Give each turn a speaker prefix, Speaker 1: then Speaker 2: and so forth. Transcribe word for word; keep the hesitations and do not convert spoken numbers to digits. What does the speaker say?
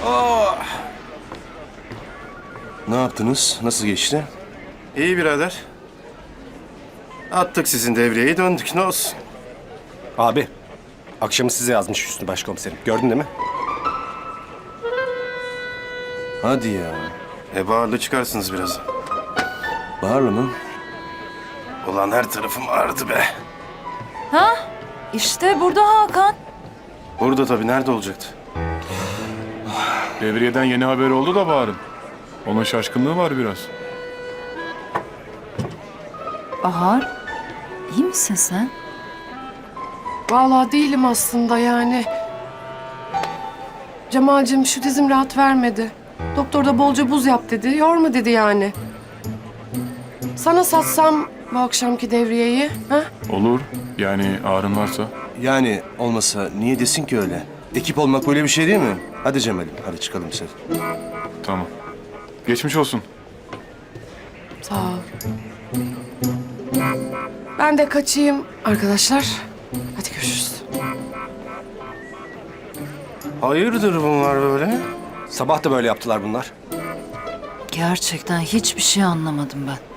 Speaker 1: Oh. Ne yaptınız? Nasıl geçti?
Speaker 2: İyi birader. Attık sizin devriyeyi, döndük. Ne olsun?
Speaker 3: Abi, akşamı size yazmış Hüsnü Başkomiserim. Gördün değil mi?
Speaker 1: Hadi ya.
Speaker 2: E bağırlı çıkarsınız biraz.
Speaker 1: Bahar'la mı?
Speaker 2: Ulan her tarafım ağrıdı be.
Speaker 4: Ha? İşte burada Hakan.
Speaker 2: Burada tabii, nerede olacaktı?
Speaker 5: Devriyeden yeni haber oldu da Bahar'ın. Onun şaşkınlığı var biraz.
Speaker 4: Bahar, iyi misin sen?
Speaker 6: Vallahi değilim aslında yani. Cemal'cim şu dizim rahat vermedi. Doktor da bolca buz yap dedi. Yorma dedi yani. Sana satsam bu akşamki devriyeyi, ha?
Speaker 5: Olur. Yani ağrın varsa.
Speaker 1: Yani olmasa niye desin ki öyle? Ekip olmak böyle bir şey değil mi? Hadi Cemal'im, hadi çıkalım sen.
Speaker 5: Tamam. Geçmiş olsun.
Speaker 6: Sağ ol. Ben de kaçayım arkadaşlar. Hadi görüşürüz.
Speaker 2: Hayırdır bunlar böyle?
Speaker 3: Sabah da böyle yaptılar bunlar.
Speaker 4: Gerçekten hiçbir şey anlamadım ben.